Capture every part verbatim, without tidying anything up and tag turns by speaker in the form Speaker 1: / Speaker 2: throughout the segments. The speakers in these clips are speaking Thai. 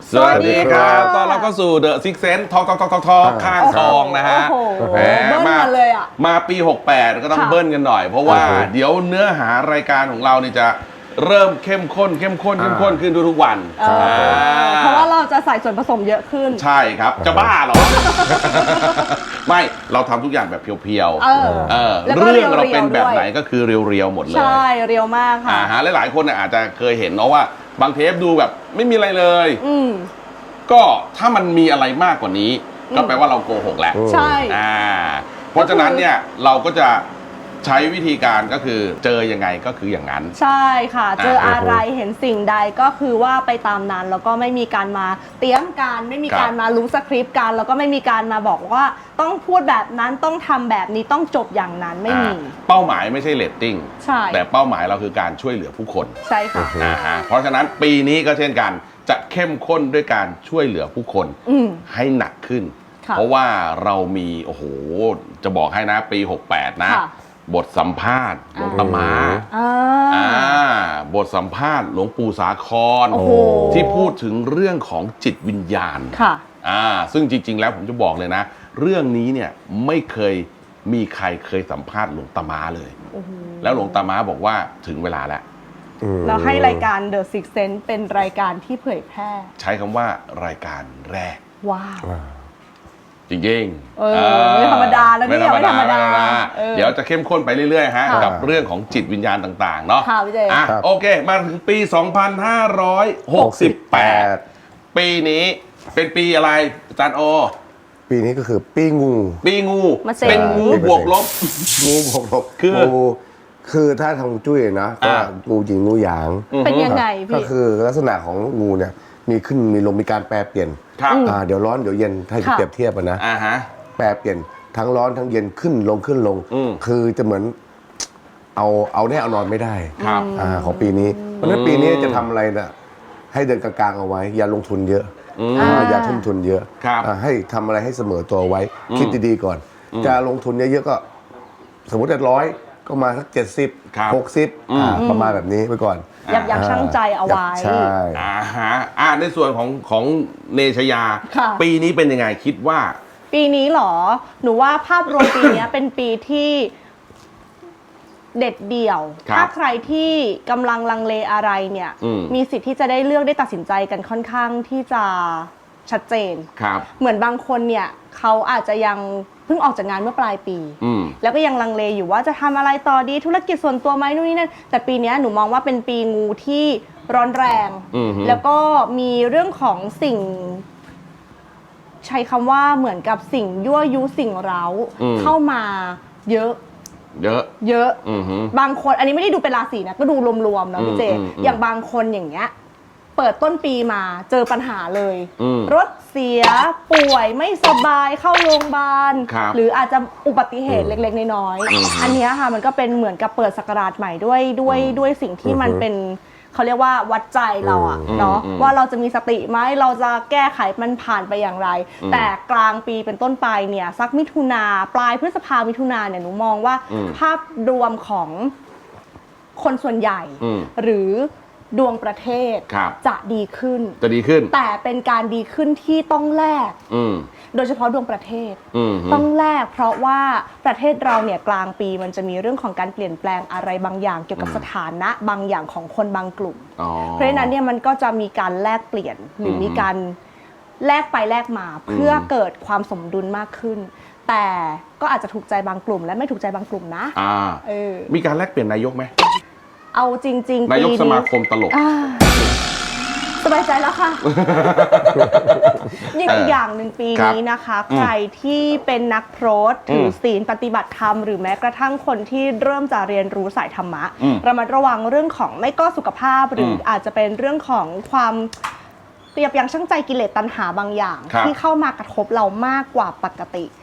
Speaker 1: สวัสดีครับตอนเราก็สู่เดอะซิกเซนทองทองทองทองทองข้างทองนะฮะ
Speaker 2: โอ้โหเบิ้ลมาเลยอ่ะ
Speaker 1: มาปีหกแปดก็ต้องเบิ้ลกันหน่อยเพราะว่าเดี๋ยวเนื้อหารายการของเรานี่จะเริ่มเข้มข้นเข้มข้นเข้มข้นขึ้นทุกๆวัน
Speaker 2: เพราะว่าเราจะใส่ส่วนผสมเยอะขึ้น
Speaker 1: ใช่ครับจะบ้าเหรอไม่เราทำทุกอย่างแบบเพียวๆ
Speaker 2: เออ
Speaker 1: เออเรื่องเราเป็นแบบไหนก็คือเรียวๆหมดเลย
Speaker 2: ใช่เรียวมากค่ะ
Speaker 1: อ่าฮะหลายๆคนอาจจะเคยเห็นเนาะว่าบางเทปดูแบบไม่มีอะไรเลย
Speaker 2: อืม
Speaker 1: ก็ถ้ามันมีอะไรมากกว่านี้ก็แปลว่าเราโกหกแล้ว
Speaker 2: ใช่
Speaker 1: อ่าเพราะฉะนั้นเนี่ยเราก็จะใช้วิธีการก็คือเจอยังไงก็คืออย่างนั้น
Speaker 2: ใช่ค่ะเจออะไรเห็นสิ่งใดก็คือว่าไปตามนั้นแล้วก็ไม่มีการมาเตรียมการไม่มีการมารู้สคริปต์กันแล้วก็ไม่มีการมาบอกว่าต้องพูดแบบนั้นต้องทำแบบนี้ต้องจบอย่างนั้นไม่มี
Speaker 1: เป้าหมายไม่ใช่เรตติ้ง
Speaker 2: ใช่
Speaker 1: แต่เป้าหมายเราคือการช่วยเหลือผู้คน
Speaker 2: ใช่ค่ะ
Speaker 1: อ่าฮะเพราะฉะนั้นปีนี้ก็เช่นกันจะเข้มข้นด้วยการช่วยเหลือผู้คนให้หนักขึ้นเพราะว่าเรามีโอ้โหจะบอกให้นะปีหกแปดนะบทสัมภาษณ์หลวงตามาบทสัมภาษณ์หลวงปู่สาครที่พูดถึงเรื่องของจิตวิญญาณอ่าซึ่งจริงๆแล้วผมจะบอกเลยนะเรื่องนี้เนี่ยไม่เคยมีใครเคยสัมภาษณ์หลวงตามาเลยแล้วหลวงตามาบอกว่าถึงเวลาแล้ว
Speaker 2: เราให้รายการ The Six Sense เป็นรายการที่เผยแพร่
Speaker 1: ใช้คำว่ารายการแรก
Speaker 2: ว้าว
Speaker 1: จริงๆ
Speaker 2: เออไม่ธรรมดาแล้วนี่ไม่ธรรมดา
Speaker 1: เดี๋ยวจะเข้มข้นไปเรื่อยๆฮะกับเรื่องของจิตวิญญาณต่างๆเนาะ
Speaker 2: ค่ะพี่เจ
Speaker 1: อ่ะโอเคมาถึงปีสองพันห้าร้อยหกสิบแปดปีนี้เป็นปีอะไรอาจารย์โอ
Speaker 3: ปีนี้ก็คือปีงู
Speaker 1: ปีงูเป็นงูบวกลบ
Speaker 3: งูบวกลบคือคือถ้าทางจุ้ยนะก็งูหญิงงูหยาง
Speaker 2: เป็นยังไงพี่
Speaker 3: ก็คือลักษณะของงูเนี่ยมีขึ้นมีลงมีการแปรเปลี่ยนเดี๋ยวร้อนเดี๋ยวเย็นถ้าเปรียบเทียบนะแปรเปลี่ยนทั้งร้อนทั้งเย็นขึ้นลงขึ้นลงคือจะเหมือนเอาเอาแน่เอานอนไม่ได้ของปีนี้เพราะฉะนั้นปีนี้จะทำอะไรนะให้เดินกลางๆเอาไว้อย่าลงทุนเยอะอย่าทุ่มทุนเยอะให้ทำอะไรให้เสมอตัวไว้คิดดีๆก่อนจะลงทุนเยอะๆก็สมมติร้อยก็มาสักเจ็ดสิบหกสิบประมาณแบบนี้ไว้ก่อน
Speaker 2: ยับยั้งชั่งใจเอาไว้
Speaker 3: ใช่
Speaker 1: อ่าฮะอ่าในส่วนของของเนชยาปีนี้เป็นยังไงคิดว่า
Speaker 2: ปีนี้หรอหนูว่าภาพรวมปีนี้เป็นปีที่เด็ดเดี่ยวถ้าใครที่กำลังลังเลอะไรเนี่ยมีสิทธิ์ที่จะได้เลือกได้ตัดสินใจกันค่อนข้างที่จะชัดเจนเหมือนบางคนเนี่ยเขาอาจจะยังเพิ่งออกจากงานเมื่อปลายปีแล้วก็ยังลังเลอยู่ว่าจะทำอะไรต่อดีธุรกิจส่วนตัวไหมนู่นนี่นั่นแต่ปีนี้หนูมองว่าเป็นปีงูที่ร้อนแรงแล้วก็มีเรื่องของสิ่งใช้คำว่าเหมือนกับสิ่งยั่วยุสิ่งเร้าเข้ามาเยอะ
Speaker 1: เยอะ
Speaker 2: เยอะบางคนอันนี้ไม่ได้ดูเป็นราศีนะก็ดูรวมๆนะพี่เจอย่างบางคนอย่างเงี้ยเปิดต้นปีมาเจอปัญหาเลยรถเสียป่วยไม่สบายเข้าโรงพยาบาลหรืออาจจะอุบัติเหตุเล็กๆน้อยๆอันนี้ค่ะมันก็เป็นเหมือนกับเปิดศักราชใหม่ด้วยด้วยด้วยสิ่งที่มันเป็นเขาเรียกว่าวัดใจเราอะเนาะว่าเราจะมีสติไหมเราจะแก้ไขมันผ่านไปอย่างไรแต่กลางปีเป็นต้นไปเนี่ยสักมิถุนาปลายพฤษภามิถุนาเนี่ยหนูมองว่าภาพรวมของคนส่วนใหญ่หรือดวงประเทศจะดีขึ้น
Speaker 1: จะดีขึ้น
Speaker 2: แต่เป็นการดีขึ้นที่ต้องแลกโดยเฉพาะดวงประเทศต้องแลกเพราะว่าประเทศเราเนี่ยกลางปีมันจะมีเรื่องของการเปลี่ยนแปลงอะไรบางอย่างเกี่ยวกับสถานะบางอย่างของคนบางกลุ่มเพราะฉะนั้นเนี่ยมันก็จะมีการแลกเปลี่ยนหรือมีการแลกไปแลกมาเพื่อเกิดความสมดุลมากขึ้นแต่ก็อาจจะถูกใจบางกลุ่มและไม่ถูกใจบางกลุ่มนะ
Speaker 1: มีการแลกเปลี่ยนนายกไหม
Speaker 2: เอาจริงๆ
Speaker 1: นายกสมาคมตลก
Speaker 2: สบายใจแล้วค่ะอีกอย่างหนึ่งปีนี้นะคะใครที่เป็นนักโพสต์ถือศีลปฏิบัติธรรมหรือแม้กระทั่งคนที่เริ่มจะเรียนรู้สายธรรมะระมัดระวังเรื่องของไม่ก็สุขภาพหรืออาจจะเป็นเรื่องของความยับยั้งชั่งใจกิเลสตัณหาบางอย่างที่เข้ามากระทบเรามากกว่าปกติ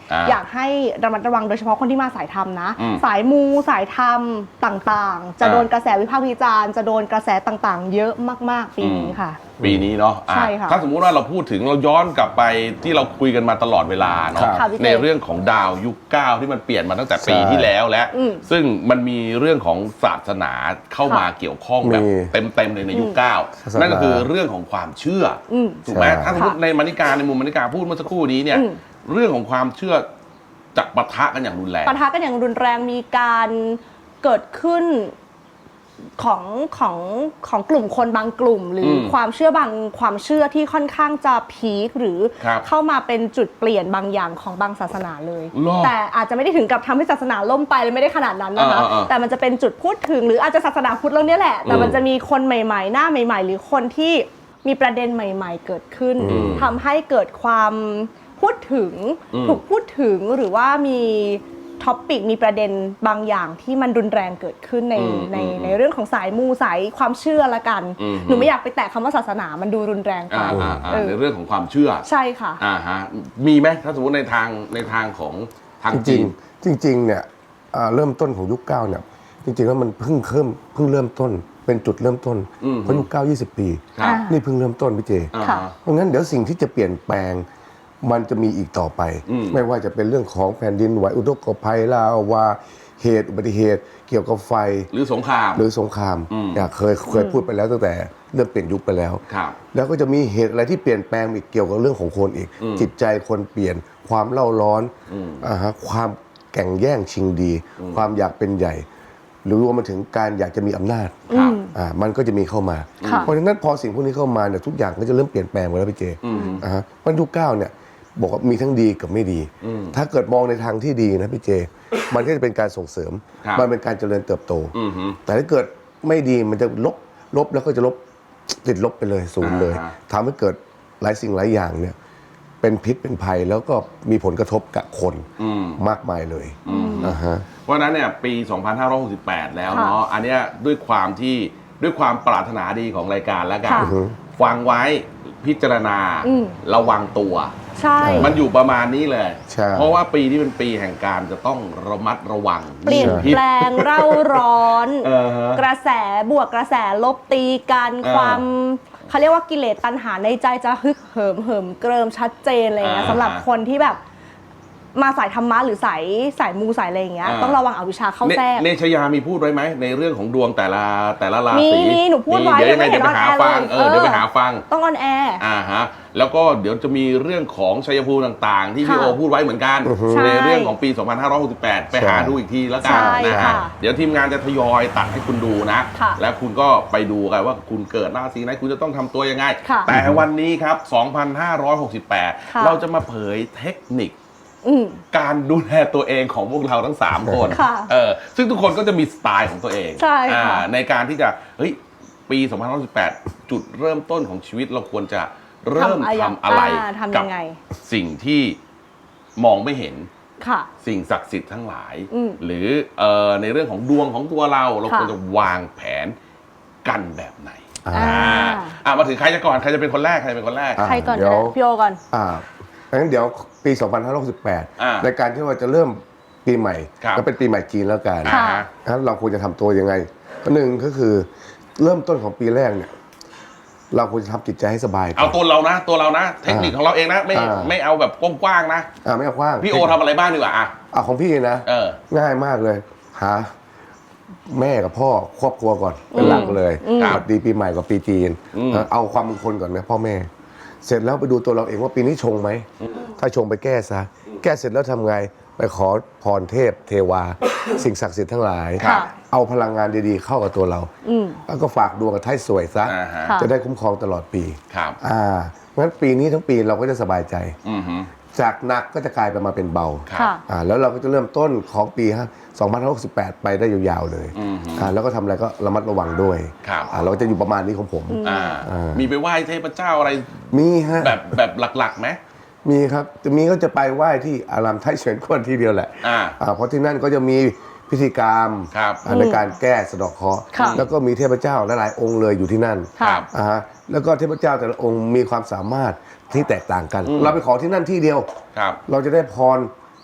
Speaker 2: อยากให้ระมัดระวังโดยเฉพาะคนที่มาสายธรรมนะ
Speaker 1: อืม
Speaker 2: สายมูสายธรรมต่างๆ จะโดนกระแสวิพากษ์วิจารณ์จะโดนกระแสต่างๆ เยอะมากๆปีนี้ค่ะ
Speaker 1: ปีนี้เนาะอ่ะ
Speaker 2: ใช่ค่ะ
Speaker 1: ถ้าสมมุติว่าเราพูดถึงเราย้อนกลับไปที่เราคุยกันมาตลอดเวลาเนาะ
Speaker 2: ค่ะพี่เจ
Speaker 1: ในเรื่องของดาวยุคเก้าที่มันเปลี่ยนมาตั้งแต่ปี
Speaker 3: ใช่
Speaker 1: ที่แล้วแล้ว
Speaker 2: อืม
Speaker 1: ซึ่งมันมีเรื่องของศาสนาเข้ามาเกี่ยวข้องแบบ
Speaker 3: มี
Speaker 1: เต็มๆเลยในยุคเก้า
Speaker 3: ศาสนานั่
Speaker 1: นั่นก็คือเรื่องของความเชื่ออ
Speaker 2: ม
Speaker 1: ถูกไหม
Speaker 3: ใช่
Speaker 1: ถ้าสมมติในมณิการในมุมมณิการพูดเมื่อสักครู่นี้เนี่ย
Speaker 2: อืม
Speaker 1: เรื่องของความเชื่อจะปะทะกันอย่างรุนแรง
Speaker 2: ปะทะกันอย่างรุนแรงมีการเกิดขึ้นของของของกลุ่มคนบางกลุ่ม หรืออ
Speaker 1: ม
Speaker 2: ความเชื่อบางความเชื่อที่ค่อนข้างจะพีคหรือ
Speaker 1: ครับ
Speaker 2: เข้ามาเป็นจุดเปลี่ยนบางอย่างของบางศาสนาเลย
Speaker 1: หรอ
Speaker 2: แต่อาจจะไม่ได้ถึงกับทำให้ศาสนาล่มไปเลยไม่ได้ขนาดนั้นนะคะ
Speaker 1: อ่าอ่าอ่า
Speaker 2: แต่มันจะเป็นจุดพูดถึงหรืออาจจะศาสนาพุทธแล้วเนี่ยแหละ แต่มันจะมีคนใหม่ๆ หน้าใหม่ ๆ หรือคนที่มีประเด็นใหม่ ๆ เกิดขึ้น
Speaker 1: อืม
Speaker 2: ทำให้เกิดความพูดถึง
Speaker 1: อืม
Speaker 2: ถูกพูดถึงหรือว่ามีท็อปปิกมีประเด็นบางอย่างที่มันรุนแรงเกิดขึ้นใน
Speaker 1: อืม
Speaker 2: ใน
Speaker 1: อืม
Speaker 2: ในเรื่องของสายมูสายความเชื่อละกัน
Speaker 1: อืม
Speaker 2: หนูไม่อยากไปแตะคำว่าศาสนามันดูรุนแรงไป
Speaker 1: อ่าอ่าอ่า
Speaker 2: เออ
Speaker 1: ในเรื่องของความเชื่อ
Speaker 2: ใช่ค่ะ
Speaker 1: อ่าฮะมีไหมถ้าสมมติในทางในทางของทาง
Speaker 3: จ
Speaker 1: จี
Speaker 3: ริง
Speaker 1: น
Speaker 3: ๆจริงๆเนี่ยอ่าเริ่มต้นของยุคเก้าเนี่ยจริงๆแล้วมันเพิ่งเริ่มเพิ่งเริ่มต้นเป็นจุดเริ่มต้น
Speaker 1: อืม
Speaker 3: เพราะยุคเก้ายี่สิบปี
Speaker 1: ครับ
Speaker 2: อ่า
Speaker 3: นี่เพิ่งเริ่มต้นพี่เจ
Speaker 1: อ่า
Speaker 2: ค่ะ
Speaker 1: ฮะ
Speaker 3: เพราะงั้นเดี๋ยวสิ่งที่จะเปลี่ยนแปลงมันจะมีอีกต่อไป
Speaker 1: อืม
Speaker 3: ไม่ว่าจะเป็นเรื่องของแผ่นดินไหวอุทกภัยลาวาเหตุอุบัติเหตุ เกี่ยวกับไฟ
Speaker 1: หรือสงคราม
Speaker 3: หรือสงคราม
Speaker 1: อืม
Speaker 3: เนี่ยเคยเคยพูดไปแล้วตั้งแต่เริ่มเปลี่ยนยุคไปแล้ว
Speaker 1: ครับ
Speaker 3: แล้วก็จะมีเหตุอะไรที่เปลี่ยนแปลงอีกเกี่ยวกับเรื่องของคนอีก
Speaker 1: อืม
Speaker 3: จิตใจคนเปลี่ยนความเล่าร้อน
Speaker 1: อืม
Speaker 3: อ่าฮะความแข่งแย่งชิงดี ความอยากเป็นใหญ่ หรือรวมมาถึงการอยากจะมีอำนาจ
Speaker 1: ครับ
Speaker 3: อ่ามันก็จะมีเข้ามา
Speaker 2: ค่ะ
Speaker 3: เพราะฉะนั้นพอสิ่งพวกนี้เข้ามาเนี่ยทุกอย่างก็จะเริ่มเปลี่ยนแปลงไปแล้วพี่เจ
Speaker 1: อืม
Speaker 3: อ่าฮะวันยุคเก้าเนี่ยบอกว่ามีทั้งดีกับไม่ดี
Speaker 1: อืม
Speaker 3: ถ้าเกิดมองในทางที่ดีนะพี่เจ มันก็จะเป็นการส่งเสริม
Speaker 1: ครับ
Speaker 3: มันเป็นการเจริญเติบโต
Speaker 1: อืมฮึ
Speaker 3: แต่ถ้าเกิดไม่ดีมันจะลบลบแล้วก็จะลบติดลบไปเลยศูนย์เลย
Speaker 1: อ่า
Speaker 3: ทำให้เกิดหลายสิ่งหลายอย่างเนี่ยเป็นพิษเป็นภัยแล้วก็มีผลกระทบกับคน
Speaker 1: อืม
Speaker 3: มากมายเลย
Speaker 1: อืม
Speaker 3: อ่าฮะ
Speaker 1: เพราะฉะนั้นเนี่ยปี สองพันห้าร้อยหกสิบแปด แล้ว
Speaker 2: ค่ะ
Speaker 1: เนาะอันเนี้ยด้วยความที่ด้วยความปรารถนาดีของรายการแล้วกัน
Speaker 2: ค่ะ
Speaker 1: ฟังไว้พิจารณา
Speaker 2: อืม
Speaker 1: ระวังตัว
Speaker 2: ใช่
Speaker 1: มันอยู่ประมาณนี้เลย
Speaker 3: ใช่
Speaker 1: เพราะว่าปีนี้เป็นปีแห่งการจะต้องระมัดระวัง
Speaker 2: เปลี่ยน
Speaker 1: พิษ
Speaker 2: แปลงเร่าร้อน
Speaker 1: เออฮะ
Speaker 2: กระแสบวกกระแสลบตีกัน
Speaker 1: เออ
Speaker 2: ความเขาเรียกว่ากิเลสตัณหาในใจจะฮึกเหิมเหิมเกริมชัดเจนอะไรเงี้ย
Speaker 1: อ่า
Speaker 2: สำหรับคนที่แบบมาสายธรรมะหรือสายสายมูสายอะไรอย่างเงี้ย
Speaker 1: อ่า
Speaker 2: ต้องระวังอวิชชาเข้า
Speaker 1: เน
Speaker 2: แทรก
Speaker 1: เนชยามีพูดไว้ไหมในเรื่องของดวงแต่ละแต่ละรา
Speaker 2: มี
Speaker 1: ศี
Speaker 2: มีหนูพูดไว้
Speaker 1: เดี๋ยวยังไง
Speaker 2: ยังไม่
Speaker 1: เดี๋ยวไปหา
Speaker 2: เห็น
Speaker 1: ฟัง
Speaker 2: ออนแอร์เลย
Speaker 1: เออเดี๋ยวไป
Speaker 2: เออ
Speaker 1: หาฟัง
Speaker 2: ต้องออนแอร์
Speaker 1: อ่าฮะแล้วก็เดี๋ยวจะมีเรื่องของชัยภูมิต่างๆ ที่พี่
Speaker 2: ค่ะ
Speaker 1: โอพูดไว้เหมือนกัน
Speaker 2: ใช่
Speaker 1: ในเรื่องของปี สองพันห้าร้อยหกสิบแปด ไปหาดูอีกทีแล้วกัน
Speaker 2: ใช่
Speaker 1: นะ
Speaker 2: ค่ะ
Speaker 1: ฮะเดี๋ยวทีมงานจะทยอยตัดให้คุณดูนะ
Speaker 2: ค่ะ
Speaker 1: แล้วคุณก็ไปดูกันว่าคุณเกิดราศีไหนคุณจะต้องทำตัวยังไง
Speaker 2: ค่ะ
Speaker 1: แต่วันนี้ครับ สองพันห้าร้อยหกสิบแปด
Speaker 2: ค่ะ
Speaker 1: เราจะมาเผยเทคนิค
Speaker 2: อืม
Speaker 1: การดูแลตัวเองของพวกเราทั้ง สาม คน
Speaker 2: ค่ะ
Speaker 1: เออซึ่งทุกคนก็จะมีสไตล์ของตัวเอง
Speaker 2: ใช่ค่ะ
Speaker 1: อ่าในการที่จะเฮ้ยปี สองพันห้าร้อยหกสิบแปด จุดเริ่มต้นของชีวิตเราควรจะเริ่ม
Speaker 2: ทำอะไร
Speaker 1: ทำอะไร
Speaker 2: อ่าทำ
Speaker 1: กั
Speaker 2: ยังไง
Speaker 1: สิ่งที่มองไม่เห็น
Speaker 2: ค่ะ
Speaker 1: สิ่งศักดิ์สิทธิ์ทั้งหลาย
Speaker 2: อืม
Speaker 1: หรือเอ่อในเรื่องของดวงของตัวเรา เรา
Speaker 2: ค่ะ
Speaker 1: ควรจะวางแผนกันแบบไหน
Speaker 3: อ่า
Speaker 2: อ่า
Speaker 1: อ่ามาถึงใครจะก่อนใครจะเป็นคนแรกใครจะเป็นคนแรก
Speaker 3: อ่ะ
Speaker 2: ใครก่อน
Speaker 3: เดี๋ยว
Speaker 2: ก็ได้พี่โอก่อน
Speaker 3: อ่างั้นเดี๋ยวปี สองพันห้าร้อยหกสิบแปด
Speaker 1: อ่า
Speaker 3: ในการที่ว่าจะเริ่มปีใหม่
Speaker 1: ครับ
Speaker 3: ก็เป็นปีใหม่จีนแล้วกัน
Speaker 2: ค่ะ
Speaker 1: อ่าฮะ
Speaker 3: งั้นเราควรจะทำตัวยังไงก็หนึ่งก็คือเริ่มต้นของปีแรกเนี่ยเราควรจะทำจิตใจให้สบายก่
Speaker 1: เอา
Speaker 3: อน
Speaker 1: ตัวเรานะ ตัวเรานะ เทคนิคของเราเองนะ ไม่
Speaker 3: อ่า
Speaker 1: ไม่เอาแบบกว้างๆนะ
Speaker 3: อ่าไม่เอากว้าง
Speaker 1: พี่โอทำอะไรบ้างดีกว่าอ่ะ
Speaker 3: อ่าของพี่นะ
Speaker 1: เออ
Speaker 3: ง่ายมากเลย หาแม่กับพ่อครอบครัวก่อนเป็นหลักเลย
Speaker 1: ครับ
Speaker 3: สวัสดีปีใหม่กับปีจีน
Speaker 1: อืม
Speaker 3: เอาความมงคลก่อนนะพ่อแม่ เสร็จแล้วไปดูตัวเราเองว่าปีนี้ชงไหม ถ้าชงไปแก้ซะ แก้เสร็จแล้วทำไง ไปขอพรเทพ เทวา สิ่งศักดิ์สิทธิ์ทั้งหลาย
Speaker 2: ค่ะ
Speaker 3: เอาพลังงานดีๆเข้ากับตัวเรา
Speaker 2: อืม
Speaker 3: แล้วก็ฝากดวงกับไทยสวยซะ
Speaker 1: อ่าฮะ
Speaker 2: ค่ะ
Speaker 3: จะได้คุ้มครองตลอดปี
Speaker 1: ครับ
Speaker 3: อ่างั้นปีนี้ทั้งปีเราก็จะสบายใจ
Speaker 1: อือฮึ
Speaker 3: จากหนักก็จะกลายเป็นมาเป็นเบา
Speaker 1: ครับ
Speaker 2: ค่ะ
Speaker 3: อ่าแล้วเราก็จะเริ่มต้นของปีฮะสองพันห้าร้อยหกสิบแปด ไปได้ยาวๆเลย
Speaker 1: อือฮึ
Speaker 3: อ่าแล้วก็ทำอะไรก็ระมัดระวังด้วย
Speaker 1: ครับ
Speaker 3: อ่าเราจะอยู่ประมาณนี้ของผม
Speaker 1: อ่า
Speaker 3: อ่ามี
Speaker 1: มีไปไหว้เทพเจ้าอะไร
Speaker 3: มีฮะ
Speaker 1: แบบแบบหลักๆไหม
Speaker 3: มีครับจะมีก็จะไปไหว้ที่อารามไทยเฉินกวนที่เดียวแหละ
Speaker 1: อ่า
Speaker 3: อ่าเพราะที่นั่นก็จะมีพิธีกรรม
Speaker 1: ครับ
Speaker 3: อ่าในการแก้สะเดาะเคราะห์
Speaker 2: ค่ะ
Speaker 3: แล้วก็มีเทพเจ้าหลายๆองค์เลยอยู่ที่นั่น
Speaker 2: ค่ะ
Speaker 1: ครับ
Speaker 3: อ่าฮะแล้วก็เทพเจ้าแต่ละองค์มีความสามารถที่แตกต่างกัน
Speaker 1: อืม
Speaker 3: เราไปขอที่นั่นที่เดียว
Speaker 1: ครับ
Speaker 3: เราจะได้พร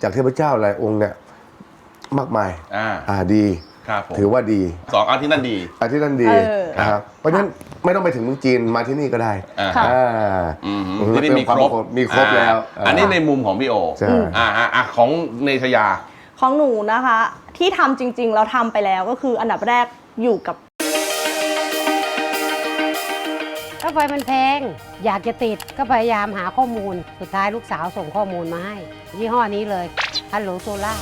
Speaker 3: จากเทพเจ้าหลายองค์เนี่ยมากมาย
Speaker 1: อ่า
Speaker 3: อ่าดี
Speaker 1: ครับผม
Speaker 3: ถือว่าดี
Speaker 1: สองอันที่นั่นดี
Speaker 3: อาที่นั่นดี
Speaker 2: เออ
Speaker 3: นะครับเพราะฉะนั้นไม่ต้องไปถึงเมืองจีนมาที่นี่ก็ได้
Speaker 1: อ่า
Speaker 2: ค่ะ
Speaker 3: อ่า
Speaker 1: อืม
Speaker 3: อืม
Speaker 1: ที่นี่มีครบ
Speaker 3: มีครบแล้ว
Speaker 1: อ่าอันนี้ในมุมของพี่โอ
Speaker 3: ใช่
Speaker 1: อ่าฮะอ่ะของเนชยา
Speaker 2: ของหนูนะคะ ที่ทำจริงๆเราทำไปแล้วก็คืออันดับแรกอยู่กับ
Speaker 4: ค่าไฟมันแพง อยากจะติดก็พยายามหาข้อมูล สุดท้ายลูกสาวส่งข้อมูลมาให้ยี่ห้อนี้เลยฮัลโหลโซล่า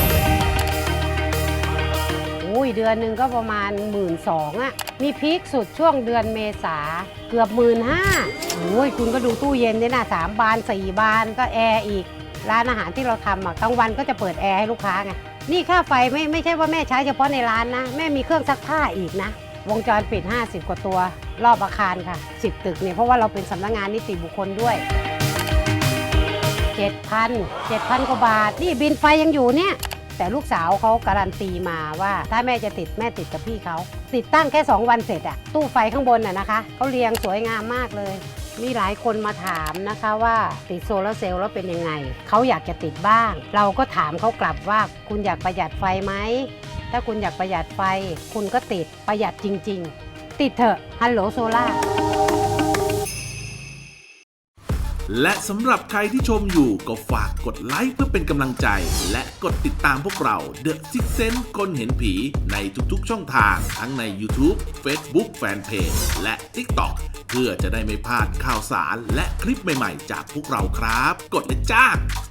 Speaker 4: อุ้ยเดือนหนึ่งก็ประมาณหมื่นสองอ่ะ มีพีคสุดช่วงเดือนเมษาเกือบหมื่นห้าโอ้ยคุณก็ดูตู้เย็นเนี่ยนะสามบานสี่บานก็แอร์อีก ร้านอาหารที่เราทำอ่ะกลางวันก็จะเปิดแอร์ให้ลูกค้าไง นี่ค่าไฟไม่ไม่ใช่ว่าแม่ใช้เฉพาะในร้านนะ แม่มีเครื่องซักผ้าอีกนะ วงจรปิด ห้าสิบ กว่าตัว รอบอาคารค่ะ สิบ ตึกเนี่ยเพราะว่าเราเป็นสำนักงานนิติบุคคลด้วย เจ็ดพัน เจ็ดพัน กว่าบาท นี่บินไฟยังอยู่เนี่ย แต่ลูกสาวเขาการันตีมาว่าถ้าแม่จะติดแม่ติดกับพี่เขา ติดตั้งแค่ สอง วันเสร็จอะตู้ไฟข้างบนอะนะคะเขาเรียงสวยงามมากเลย มีหลายคนมาถามนะคะว่าติดโซลาร์เซลล์แล้วเป็นยังไง เขาอยากจะติดบ้าง เราก็ถามเขากลับว่าคุณอยากประหยัดไฟไหม ถ้าคุณอยากประหยัดไฟ คุณก็ติดประหยัดจริง ๆ ติดเถอะฮัลโหลโซล่า
Speaker 5: และสำหรับใครที่ชมอยู่ก็ฝากกดไลค์เพื่อเป็นกำลังใจ และกดติดตามพวกเรา The Six Sense คนเห็นผีในทุกๆช่องทางทั้งใน YouTube Facebook Fanpage และ TikTok เพื่อจะได้ไม่พลาดข่าวสารและคลิปใหม่ๆจากพวกเราครับ กดเลยจ้า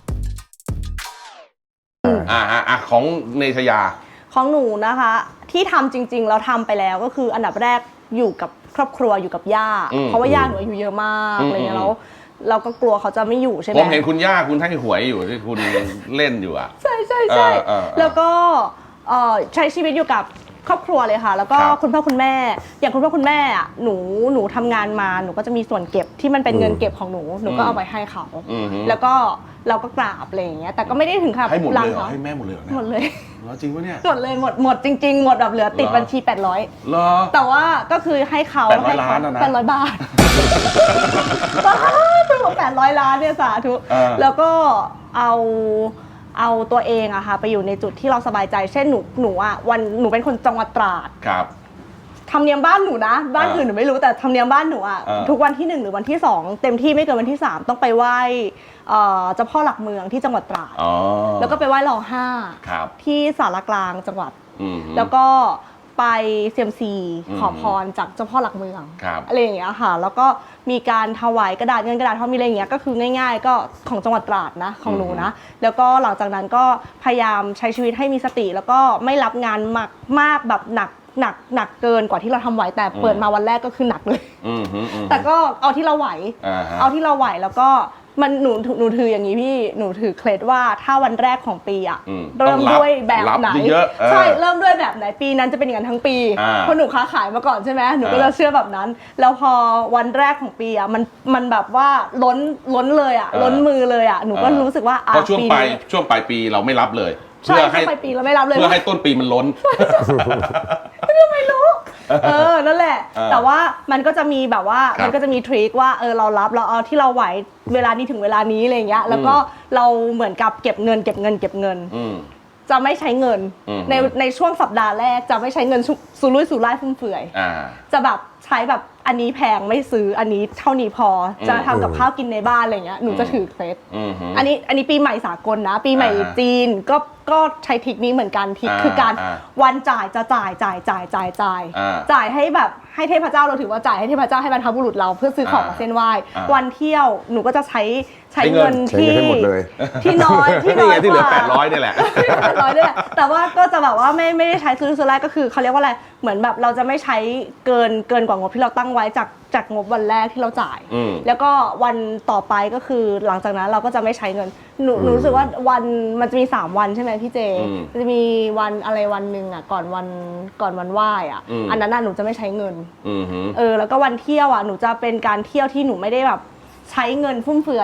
Speaker 1: อ่าฮะอ่ะของเนชยา
Speaker 2: ของหนูนะคะ ที่ทำจริงๆเราทำไปแล้วก็คืออันดับแรกอยู่กับครอบครัวอยู่กับย่า
Speaker 1: อืม
Speaker 2: เพราะว่าย่าหนูอายุเยอะมาก
Speaker 1: อืม
Speaker 2: อะไรเงี้
Speaker 1: อืม
Speaker 2: ยแล้วเราก็กลัวเขาจะไม่อยู่ใช่ไหม
Speaker 1: ผมเห็นคุณย่าคุณให้หวยอยู่ที่คุณเล่นอยู่อ่ะ
Speaker 2: ใช่ใช่ใช่
Speaker 1: เออเออเออ
Speaker 2: แล้วก็เอ่อใช้ชีวิตอยู่กับครอบครัวเลยค่ะ แล้วก็
Speaker 1: ครับ
Speaker 2: คุณพ่อคุณแม่ อย่างคุณพ่อคุณแม่อะหนูหนูทำงานมาหนูก็จะมีส่วนเก็บที่มันเป็นเงินเก็บของหนูหนูก็เอาไปให้เขา
Speaker 1: อืมฮึ
Speaker 2: แล้วก็เราก็กราบอะไรอย่างเงี้ยแต่ก็ไม่ได้ถึงขั้น
Speaker 1: ให้หมดเลยเหรอ
Speaker 2: เขา
Speaker 1: ให้แม่หมดเลยเหรอเนี่ย
Speaker 2: หมดเลย
Speaker 1: เหรอจริงปะเนี่ย
Speaker 2: หมดเลยหมดหมดจริงๆหมดแบบเหลือติด
Speaker 1: เหรอ
Speaker 2: บัญชีแปดร้อย
Speaker 1: เหรอ
Speaker 2: แต่ว่าก็คือให้เขา
Speaker 1: แปดร้อย
Speaker 2: ให้เข
Speaker 1: ล้านอะนะ
Speaker 2: แปดร้อยบาทสาธุแปดร้อยล้านเนี่ยสาธุ
Speaker 1: เออ
Speaker 2: แล้วก็เอาเอาตัวเองอะค่ะไปอยู่ในจุดที่เราสบายใจ เช่นหนูหนูอะวันหนูเป็นคนจังหวัดตราด
Speaker 1: ครับ
Speaker 2: ธรรมเนียมบ้านหนูนะ บ้าน
Speaker 1: เออ
Speaker 2: อื่นหนูไม่รู้แต่ธรรมเนียมบ้านหนูอะ
Speaker 1: เออ
Speaker 2: ทุกวันที่หนึ่งหรือวันที่สองเต็มที่ไม่เกินวันที่สามต้องไปไหว้เอ่อเจ้าพ่อหลักเมืองที่จังหวัดตราด
Speaker 1: อ๋อ
Speaker 2: แล้วก็ไปไหว้รอห้า
Speaker 1: ครับ
Speaker 2: ที่สารกลางจังหวัด
Speaker 1: อืมฮึ
Speaker 2: แล้วก็ไปเซียมซี
Speaker 1: อืม
Speaker 2: ขอพรจากเจ้าพ่อหลักเมือง
Speaker 1: ครับ
Speaker 2: อะไรอย่างเงี้ยค่ะ แล้วก็มีการถวายกระดาษเงินกระดาษทองมีอะไรอย่างเงี้ยก็คือง่าย ๆ ก็ของจังหวัดตราดนะของหนูนะ แล้วก็หลังจากนั้นก็พยายามใช้ชีวิตให้มีสติ แล้วก็ไม่รับงานมากมากแบบหนักหนักหนักเกินกว่าที่เราทำไหวแต่เปิดมาวันแรกก็คือหนักเลย
Speaker 1: อืมฮึอืมฮึ
Speaker 2: แต่ก็เอาที่เราไหว
Speaker 1: อ่าฮะ
Speaker 2: เอาที่เราไหวแล้วก็มันหนูหนูถืออย่างนี้พี่หนูถือเคล็ดว่าถ้าวันแรกของปีอะ
Speaker 1: อืม
Speaker 2: เริ่ม
Speaker 1: ต้องรับ
Speaker 2: ด้วยแบบไหน
Speaker 1: รับเยอะๆเออ
Speaker 2: ใช่เริ่มด้วยแบบไหนปีนั้นจะเป็นอย่างนั้นทั้งปี
Speaker 1: อ่า
Speaker 2: เพราะหนูค้าขายมาก่อนใช่ไหมหนูก็
Speaker 1: อ่า
Speaker 2: จะเชื่อแบบนั้น แล้วพอวันแรกของปีอะมันมันแบบว่าล้นล้นเลยอะ
Speaker 1: อ่า
Speaker 2: ล้นมือเลยอะหนูก็
Speaker 1: อ่ารู้
Speaker 2: รู้สึกว่าอ่ะ
Speaker 1: เพราะช่วง
Speaker 2: ปี
Speaker 1: ปลาย
Speaker 2: นี้
Speaker 1: ช่วงปลายปีเราไม่รับเลย
Speaker 2: ใช่
Speaker 1: เพื่อให้
Speaker 2: ช่วงปลายปีเราไม่รับเลย
Speaker 1: เพื่อให้ต้นปีมันล้น
Speaker 2: ไม่รู้ เออ นั่นแหละ
Speaker 1: เออ
Speaker 2: แต่ว่ามันก็จะมีแบบว่า
Speaker 1: ครับ
Speaker 2: มันก็จะมีทริคว่า เออ เรารับ เราเอาที่เราไหว เวลานี้ถึงเวลานี้อะไรอย่างเงี้ย แล้วก็เราเหมือนกับเก็บเงิน เก็บเงิน เก็บเงิน
Speaker 1: อืม
Speaker 2: จะไม่ใช้เงิน
Speaker 1: อืม
Speaker 2: ในในช่วงสัปดาห์แรกจะไม่ใช้เงินสุสุรุ่ยสุร่ายฟุ่มเฟือย
Speaker 1: อ่า
Speaker 2: จะแบบใช้แบบอันนี้แพงไม่ซื้อ อันนี้เท่านี้พอ จะทำกับข้าวกินในบ้านอะไรเงี้ย หนูจะถือเคล็ด
Speaker 1: อืมฮึ
Speaker 2: อันนี้อันนี้ปีใหม่สากลนะ ปีใหม่
Speaker 1: อ่าฮะ
Speaker 2: จีนก็ก็ใช้ทริคนี้เหมือนกันทริค
Speaker 1: อ่า
Speaker 2: คือการ
Speaker 1: อ่า
Speaker 2: วันจ่ายจะจ่ายจ่ายจ่ายจ่ายจ่าย
Speaker 1: อ่า
Speaker 2: จ่ายให้แบบให้เทพเจ้าเราถือว่าจ่ายให้เทพเจ้าให้บรรพบุรุษเราเพื่อซื้อของมาเส้นไหว้
Speaker 1: อ่า
Speaker 2: วันเที่ยวหนูก็จะใช้ใช้
Speaker 1: ใช้เงิ
Speaker 2: เงิ
Speaker 1: น
Speaker 2: น
Speaker 3: ใช้
Speaker 2: ที่
Speaker 3: เงินให้หมดเลย
Speaker 2: ที่น้อยที่น้
Speaker 1: นี่
Speaker 2: อย
Speaker 1: ไงที่เหลือก
Speaker 2: ว่า
Speaker 1: แปดร้อยนี่แหละ
Speaker 2: แปดร้อยด้วยแหละแต่ว่าก็จะแบบว่าไม่ไม่ได้ใช้ซื้อซื้อแรกก็คือเขาเรียกว่าอะไรเหมือนแบบเราจะไม่ใช้เกินเกินกว่างบที่เราตั้งไว้จากจากงบวันแรกที่เราจ่าย
Speaker 1: อืม
Speaker 2: แล้วก็วันต่อไปก็คือหลังจากนั้นเราก็จะไม่ใช้เงินหนูหนูรู้สึกว่าวันมันจะมีสามวันใช่ไหมพี่เจ
Speaker 1: อืม
Speaker 2: มันจะมีวันอะไรวันหนึ่งอ่ะก่อนวันก่อนวันไหว้อ่ะ
Speaker 1: อืม
Speaker 2: อันนั้นน่ะหนูจะไม่ใช้เงิน
Speaker 1: อืมฮึ
Speaker 2: เออแล้วก็วันเที่ยวอ่ะหนูจะเป็นการเที่ยวที่หนูไม่ได้แบบใช้เงินฟุ่มเฟือยอ่ะ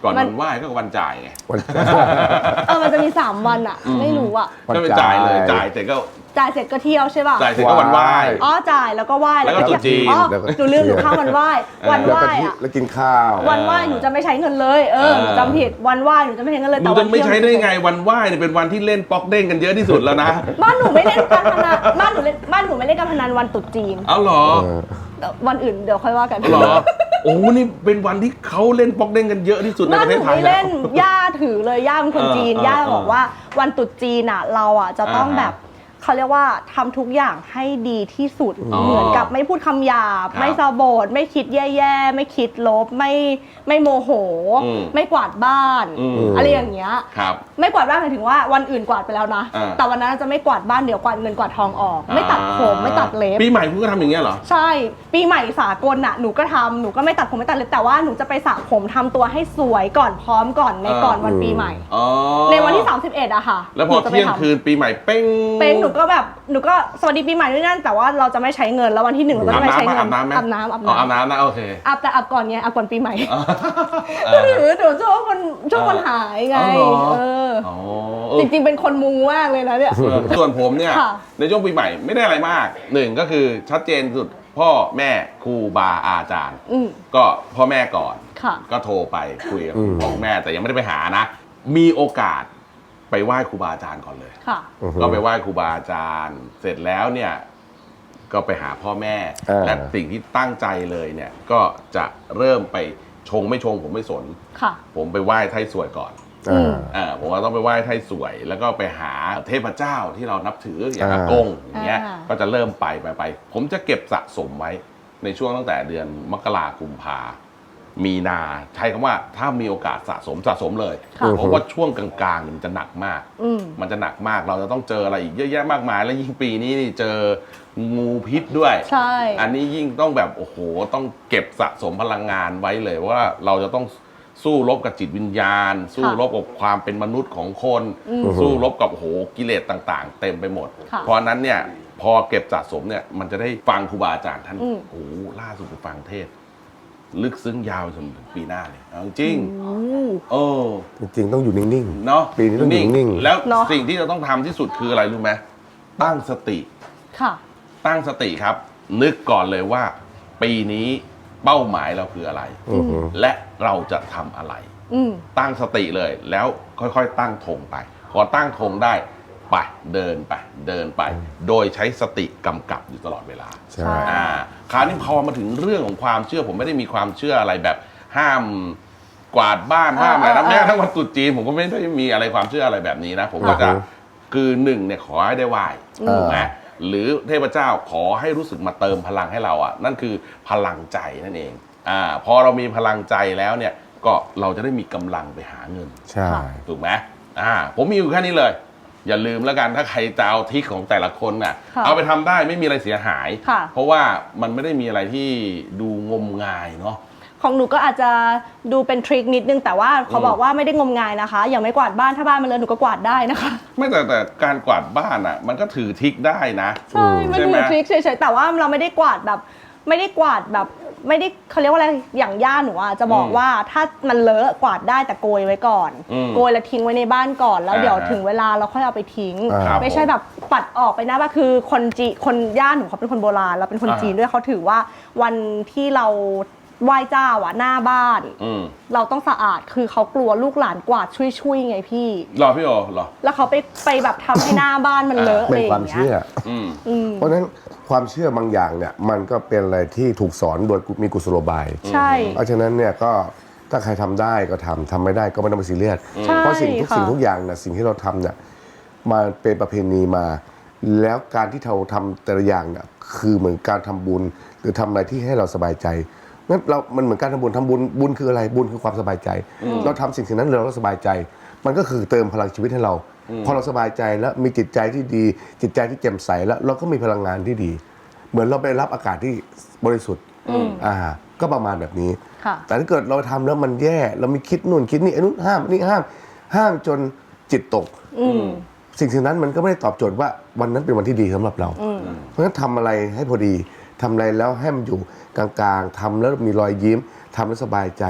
Speaker 1: ก่อนวันไหว้ก็วันจ่ายไง
Speaker 3: วัน
Speaker 2: เออมันจะมีสามวันอะไม่รู้อะ
Speaker 1: ก็ไปจ่ายเลยจ่ายเสร็จก็
Speaker 2: จ่ายเสร็จก็เที่ยวใช่ป่ะ
Speaker 1: จ่ายเสร็จก็วันไหว้
Speaker 2: อ๋อจ่ายแล้วก็ไหว้
Speaker 1: แล้วก็
Speaker 2: เที่ยว
Speaker 1: ตรุษจีน
Speaker 2: อ๋อ
Speaker 3: แล้วก็
Speaker 2: หนูลืมหนูข้ามวันไหว้วันไห
Speaker 3: แล้ว
Speaker 2: ว้
Speaker 3: ก็ที่
Speaker 2: อะ
Speaker 3: แล้วกินข้าว
Speaker 2: วันไหว้หนูจะไม่ใช้เงินเลยเออหนูจำผิดวันไหว้หนูจะไม่ใช้เงินเลย
Speaker 1: หนู
Speaker 2: แต่วั
Speaker 1: จะ
Speaker 2: น
Speaker 1: ไม่
Speaker 2: เที่ยว
Speaker 1: ใช้ได้ไงวันไหว้เนี่ยเป็นวันที่เล่นป๊อกเด้งกันเยอะที่สุดแล้วนะ
Speaker 2: บ้านหนูไม่เล่นการพนันบ้านหนูเล่นบ้านหนูไม่เล่นการพนันวันตรุษจีน
Speaker 1: เอาเหรอ
Speaker 3: เออ
Speaker 2: วันอื่นเดี๋ยวค่อยว่ากัน
Speaker 1: เหรอโอ้นี่เป็นวันที่เขาเล่นป๊อกเด้งกันเยอะที่สุดใน
Speaker 2: บ้า
Speaker 1: ป
Speaker 2: น
Speaker 1: ระ
Speaker 2: ห
Speaker 1: เท
Speaker 2: นู
Speaker 1: ศไทย
Speaker 2: ไม่
Speaker 1: แล้ว
Speaker 2: เล่นย่าถือเลยย่าเป็นคนจีน
Speaker 1: เออเออย่
Speaker 2: าบอกว่าวันตรุษจีนอ่ะเราอ่ะจะต้อง
Speaker 1: อ่าฮะ
Speaker 2: แบบเขาเรียกว่าทำทุกอย่างให้ดีที่สุด
Speaker 1: อ๋อ
Speaker 2: เหมือนกับไม่พูดคำหยาบ
Speaker 1: ครับ
Speaker 2: ไม่สะโบดไม่คิดแย่ๆไม่คิดลบไม่ไม่โมโห
Speaker 1: อืม
Speaker 2: ไม่กวาดบ้าน
Speaker 1: อืม
Speaker 2: อะไรอย่างเงี้ย
Speaker 1: ครับ
Speaker 2: ไม่กวาดบ้านหมายถึงว่าวันอื่นกวาดไปแล้วนะ
Speaker 1: อ่า
Speaker 2: แต่วันนั้นจะไม่กวาดบ้านเดี๋ยวกวาดเงินกวาดทองออก ไม่ตัดผมไม่ตัดเล็บ
Speaker 1: ปีใหม่คุณก็ทำอย่างเงี้ยเหรอ
Speaker 2: ใช่ปีใหม่สากลน่ะหนูก็ทำหนูก็ไม่ตัดผมไม่ตัดเล็บแต่ว่าหนูจะไปสระผมทำตัวให้สวยก่อนพร้อมก่อนใน
Speaker 1: อ่า
Speaker 2: ก่อนวันปีใหม่
Speaker 1: อ๋อ
Speaker 2: ในวันที่สามสิบเอ็ดอะค่ะ
Speaker 1: แล้วพอ
Speaker 2: หนูจะไป
Speaker 1: เที่ยง
Speaker 2: ทำ
Speaker 1: คืนปีใหม่เป้ง
Speaker 2: เป็นหนูก็แบบหนูก็สวัสดีปีใหม่ด้วยนั่นแต่ว่าเราจะไม่ใช้เงินแล้ววันที่หนึ่งเรา
Speaker 1: อา
Speaker 2: จะ
Speaker 1: บ
Speaker 2: ไม่ใช้
Speaker 1: น้ำไหม
Speaker 2: เงิ
Speaker 1: อาบน้ำไหม
Speaker 2: อาบน้ำอาบ
Speaker 1: อ๋ออาบ
Speaker 2: น้ำ
Speaker 1: น้ำนะโอเค
Speaker 2: อาบแต่อาบก่อนไงอาบก่อนปีใหม่
Speaker 1: เอ
Speaker 2: ก็
Speaker 1: อ
Speaker 2: ถือหนูช่วงวันช่วงวันหายไง
Speaker 1: อ๋อเหรอ
Speaker 2: เออ
Speaker 1: อ๋อ
Speaker 2: จริงๆเป็นคนมูมากเลยนะเนี่ย
Speaker 1: เออส่วนผมเนี่ย
Speaker 2: ค่ะ
Speaker 1: ในช่วงปีใหม่ไม่ได้อะไรมากหนึ่งก็คือชัดเจนสุดพ่อแม่ครูบาอาจารย์
Speaker 2: อืม
Speaker 1: ก็พ่อแม่ก่อน
Speaker 2: ค่ะ
Speaker 1: ก็โทรไปคุยกับ
Speaker 3: อืม
Speaker 1: พ่อแม่แต่ยังไม่ได้ไปหานะ มีโอกาสไปไหว้ครูบาอาจารย์ก่อนเลย
Speaker 2: ค่ะ
Speaker 3: อือฮึ
Speaker 1: ก็ไปไหว้ครูบาอาจารย์ เสร็จแล้วเนี่ยก็ไปหาพ่อแม่
Speaker 3: เออ
Speaker 1: และสิ่งที่ตั้งใจเลยเนี่ยก็จะเริ่มไปชงไม่ชงผมไม่สน
Speaker 2: ค่ะ
Speaker 1: ผมไปไหว้ไทยสวยก่อน
Speaker 3: อ่า
Speaker 1: อ่าผมก็ต้องไปไหว้ไทยสวย แล้วก็ไปหาเทพเจ้าที่เรานับถืออย่าง
Speaker 3: อ่า
Speaker 1: อากงอย่างเงี้ย
Speaker 2: อ่า
Speaker 1: ก็จะเริ่มไปไปไป ผมจะเก็บสะสมไว้ในช่วงตั้งแต่เดือนมกราคมกุมภามีนาใช้คำว่าถ้ามีโอกาสสะสมสะสมเลย
Speaker 2: ค่ะ
Speaker 1: เพราะว่าช่วงกลางๆเนี่ยมันจะหนักมาก
Speaker 2: อืม
Speaker 1: มันจะหนักมากเราจะต้องเจออะไรอีกเยอะแยะมากมาย แล้วยิ่งปีนี้นี่เจองูพิษด้วย
Speaker 2: ใช่
Speaker 1: อันนี้ยิ่งต้องแบบโอ้โหต้องเก็บสะสมพลังงานไว้เลยว่าเราจะต้องสู้รบกับจิตวิญญาณ สู้รบกับความเป็นมนุษย์ของคน
Speaker 2: อืม
Speaker 1: สู้รบกับโอ้โหกิเลสต่างๆ เต็มไปหมด
Speaker 2: ค่ะ
Speaker 1: เพราะฉะนั้นเนี่ยพอเก็บสะสมเนี่ยมันจะได้ฟังครูบาอาจารย์ท่าน
Speaker 2: อืม
Speaker 1: โอ้โหล่าสุดไปฟังเทศน์ลึกซึ้งยาวจนถึงปีหน้าเลยเอาจริง
Speaker 2: โอ้
Speaker 1: โอ้
Speaker 3: จริงๆต้องอยู่นิ่ง
Speaker 1: เนาะ
Speaker 3: ปีนี้ต้องอยู่นิ่งๆ
Speaker 1: แล้ว
Speaker 2: เนอะ
Speaker 1: สิ่งที่เราต้องทำที่สุดคืออะไรรู้ไหมตั้งสติ
Speaker 2: ค่ะ
Speaker 1: ตั้งสติครับ นึกก่อนเลยว่า ปีนี้เป้าหมายเราคืออะไร
Speaker 3: อือฮึ
Speaker 1: และเราจะทำอะไร
Speaker 2: อืม
Speaker 1: ตั้งสติเลย แล้วค่อยๆ ตั้งธงไป พอตั้งธงได้ไปเดินไป เดินไป โดยใช้สติกำกับอยู่ตลอดเวลา
Speaker 3: ใช่
Speaker 1: อ่าคราวนี้พอมาถึงเรื่องของความเชื่อผมไม่ได้มีความเชื่ออะไรแบบห้ามกวาดบ้านห้ามอะไรนะ
Speaker 2: เออเออ
Speaker 1: แม้กระทั่งวันตรุษจีนผมก็ไม่ได้มีอะไรความเชื่ออะไรแบบนี้นะ ผมก็จะ
Speaker 3: อือฮึ
Speaker 1: คือหนึ่งเนี่ยขอให้ได้ไหว้
Speaker 3: เออ
Speaker 1: ถูกไหมหรือเทพเจ้าขอให้รู้สึกมาเติมพลังให้เราอ่ะนั่นคือพลังใจนั่นเองอ่าพอเรามีพลังใจแล้วเนี่ยก็เราจะได้มีกำลังไปหาเงิน
Speaker 3: ใช่
Speaker 1: ถูกไหมอ่าผมมีอยู่แค่นี้เลย อย่าลืมแล้วกันถ้าใครจะเอาทริคของแต่ละคนน่ะ
Speaker 2: ค่ะ
Speaker 1: เอาไปทำได้ไม่มีอะไรเสียหาย
Speaker 2: ค่ะ
Speaker 1: เพราะว่ามันไม่ได้มีอะไรที่ดูงมงายเนาะ
Speaker 2: ของหนูก็อาจจะดูเป็นทริคนิดนึงแต่ว่าเขา
Speaker 1: อืม
Speaker 2: บอกว่าไม่ได้งมงายนะคะ อย่างไม่กวาดบ้านถ้าบ้านมันเลอะหนูก็กวาดได้นะคะ
Speaker 1: ไม่แต่แต่การกวาดบ้านอ่ะ มันก็ถือทริคได้นะ
Speaker 2: ใช่ มัน
Speaker 1: ใช่ไหม
Speaker 2: คือทริคเฉยๆแต่ว่าเราไม่ได้กวาดแบบ ไม่ได้กวาดแบบไม่ได้เขาเรียกว่าอะไรอย่างย่าหนูอ่ะจะบอก
Speaker 1: อืม
Speaker 2: ว่าถ้ามันเลอะกวาดได้แต่โกยไว้ก่อน
Speaker 1: อืม
Speaker 2: โกยแล้วทิ้งไว้ในบ้านก่อนแล้ว
Speaker 1: อ่า
Speaker 2: เดี๋ยวถึงเวลาเราค่อยเอาไปทิ้ง
Speaker 3: อ่า
Speaker 1: ครับ
Speaker 2: ไม่ใช่แบบปัดออกไปนะว่าคือคนจีคนย่าหนูเขาเป็นคนโบราณเราเป็นคน
Speaker 1: อ่า
Speaker 2: จีนด้วยเขาถือว่าวันที่เราไหว้เจ้าอ่ะหน้าบ้าน
Speaker 1: อืม
Speaker 2: เราต้องสะอาดคือเขากลัวลูกหลานกวาดช่วยๆไงพี่
Speaker 1: รอพี่โอเหรอ
Speaker 2: แล้วเขาไปไปแบบทำให้หน้าบ้านมันเลอะอะ
Speaker 3: เป็
Speaker 2: ไร
Speaker 3: น
Speaker 2: อ
Speaker 3: ความ
Speaker 2: ย่างเงี้
Speaker 3: เชื่อ
Speaker 2: ย
Speaker 1: อืม
Speaker 2: อืม
Speaker 3: เพราะฉะนั้นความเชื่อบางอย่างเนี่ยมันก็เป็นอะไรที่ถูกสอนโดยมีกุศโลบาย
Speaker 2: ใช่
Speaker 3: เพราะฉะนั้นเนี่ยก็ถ้าใครทำได้ก็ทำทำไม่ได้ก็ไม่ต้องไปซีเรียส
Speaker 2: ใช่
Speaker 3: เพราะสิ่งทุก
Speaker 2: ค่ะ
Speaker 3: สิ่งทุกอย่างเนี่ยสิ่งที่เราทำเนี่ยมาเป็นประเพณีมา แล้วการที่เราทำแต่ละอย่างเนี่ยคือเหมือนการทำบุญ หรือทำอะไรที่ให้เราสบายใจงั้นเรา มันเหมือนการทำบุญทำบุญบุญคืออะไรบุญคือความสบายใจ เราทำสิ่งสิ่งนั้นเราสบายใจ มันก็คือเติมพลังชีวิตให้เรา พอเราสบายใจแล้วมีจิตใจที่ดี จิตใจที่แจ่มใสแล้วเราก็มีพลังงานที่ดี เหมือนเราไปรับอากาศที่บริสุทธิ์อ่าก็ประมาณแบบนี้
Speaker 2: ค่ะ
Speaker 3: แต่ถ้าเกิดเราทำแล้วมันแย่เรามีคิดนู่นคิดนี่ไอ้นู่นห้ามนี่ห้าม ห้ามจนจิตตก
Speaker 2: อืม
Speaker 3: สิ่งสิ่งนั้นมันก็ไม่ได้ตอบโจทย์ว่าวันนั้นเป็นวันที่ดีสำหรับเรา
Speaker 2: อืม
Speaker 3: เพราะฉะนั้นทำอะไรให้พอดีทำอะไรแล้วให้มันอยู่กลางๆทำแล้วมีรอยยิ้มทำแล้วสบายใจ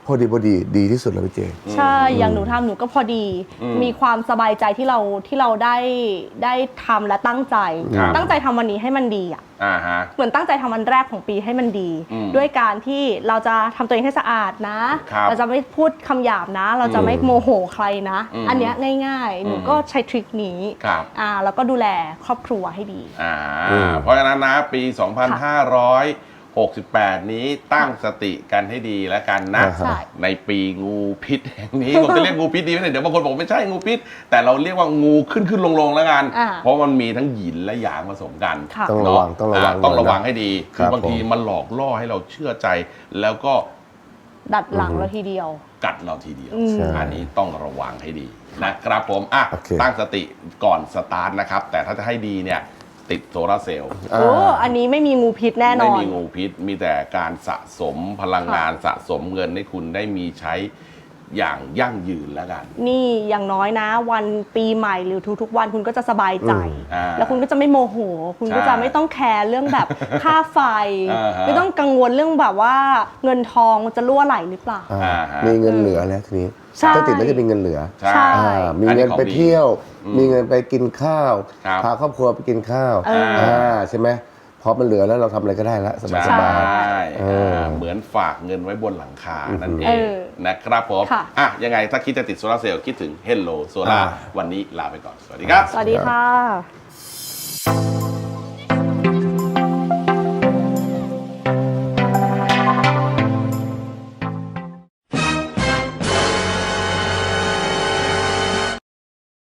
Speaker 3: พอดีพอดีดีที่สุดแล้วพี่เจ
Speaker 2: ใช่ อย่างหนูทำหนูก็พอดี มีความสบายใจที่เราที่เราได้ได้ทำและตั้งใจ
Speaker 1: ครับ
Speaker 2: ตั้งใจทำวันนี้ให้มันดีอ่ะ
Speaker 1: อ่าฮะ
Speaker 2: เหมือนตั้งใจทำวันแรกของปีให้มันดี
Speaker 1: อืม
Speaker 2: ด้วยการที่เราจะทำตัวเองให้สะอาดนะ
Speaker 1: ครับ
Speaker 2: เราจะไม่พูดคำหยาบนะ เราจะไม่โมโหใครนะ
Speaker 1: อืม
Speaker 2: อันเนี้ยง่ายๆ หนู
Speaker 1: อืม
Speaker 2: ก็ใช้ทริคนี้
Speaker 1: ครับ
Speaker 2: อ่าแล้วก็ดูแลครอบครัวให้ดี
Speaker 1: อ่า
Speaker 3: อืม
Speaker 1: เพราะฉะนั้นนะปี สองพันห้าร้อยหกสิบแปด นี้ตั้งสติกันให้ดีแล้วกันนะ
Speaker 3: อ่าฮะ
Speaker 2: ใช่
Speaker 1: ในปีงูพิษแห่งนี้ ผมจะเรียกงูพิษดีไหมเนี่ยเดี๋ยวบางคนบอกไม่ใช่งูพิษ แต่เราเรียกว่างูขึ้นขึ้นลงลงแล้วกัน
Speaker 2: อ่า
Speaker 1: เพราะมันมีทั้งหยินและหยางผสมกัน
Speaker 2: ค่ะ
Speaker 3: ต้องระวัง
Speaker 1: เน
Speaker 3: ต้องระวัง
Speaker 1: าต้องระวัง
Speaker 3: หน่อยนะ
Speaker 1: ให้ดี
Speaker 3: ค
Speaker 1: คื
Speaker 3: รั
Speaker 1: อบ บางที
Speaker 3: ผม
Speaker 1: มันหลอกล่อให้เราเชื่อใจ แล้วก็
Speaker 2: ดัดหลังเราทีเดียว
Speaker 1: กัดเราทีเดียว
Speaker 2: อืม
Speaker 3: ใช่
Speaker 1: อันนี้ต้องระวังให้ดีนะครับผมอ่ะ
Speaker 3: โอเค
Speaker 1: ตั้งสติก่อนสตาร์ทนะครับ แต่ถ้าจะให้ดีเนี่ยติดโซลาร์เซลล์
Speaker 3: อ่า
Speaker 2: โอ้อันนี้ไม่มีงูพิษแน่น
Speaker 1: ไม่
Speaker 2: อน
Speaker 1: มีงูพิษ มีแต่การสะสมพลังงานสะสมเงินให้คุณได้มีใช้อย่างยั่งยืนแล้วกัน
Speaker 2: นี่อย่างน้อยนะ วันปีใหม่หรือทุกๆวันคุณก็จะสบายใจ
Speaker 1: อ่า
Speaker 2: แล้วคุณก็จะไม่โมโห คุณก็
Speaker 1: ใช่
Speaker 2: จะไม่ต้องแคร์เรื่องแบบ ค่าไฟ
Speaker 1: อ่าฮะ
Speaker 2: ไม่ต้องกังวลเรื่องแบบว่าเงินทองจะรั่วไหลหรือเปล่า
Speaker 3: อ่า
Speaker 1: อ่าฮะ
Speaker 3: มีเงินเหลือแล้วทีนี้
Speaker 2: ใช่
Speaker 3: ถ้าติดแล้วจะมีเงินเหลือ
Speaker 1: ใช่
Speaker 2: ใช่
Speaker 3: อ่ามี
Speaker 1: อันนี้
Speaker 3: เงิน
Speaker 1: ของ
Speaker 3: ไป
Speaker 1: ดี
Speaker 3: เที่ยว
Speaker 1: อืม
Speaker 3: มีเงินไปกินข้าว
Speaker 1: ครับ
Speaker 3: พาครอบครัวไปกินข้าว
Speaker 2: เอออ่
Speaker 3: าใช่ไหมพอมันเหลือแล้วเราทำอะไรก็ได้ละสบาย
Speaker 1: ใช
Speaker 3: สบาย
Speaker 1: ่
Speaker 3: เออ
Speaker 1: เหมือนฝากเงินไว้บนหลังคา นั่นเอ
Speaker 2: เอง อ
Speaker 1: นะครับผม
Speaker 2: ค่ะ
Speaker 1: อ่ะยังไงถ้าคิดจะติดโซลาร์เซลล์คิดถึง Hello Solar
Speaker 3: อ่า
Speaker 1: วันนี้ลาไปก่อน สวัสดีครับ
Speaker 2: สวัสดีค่ะ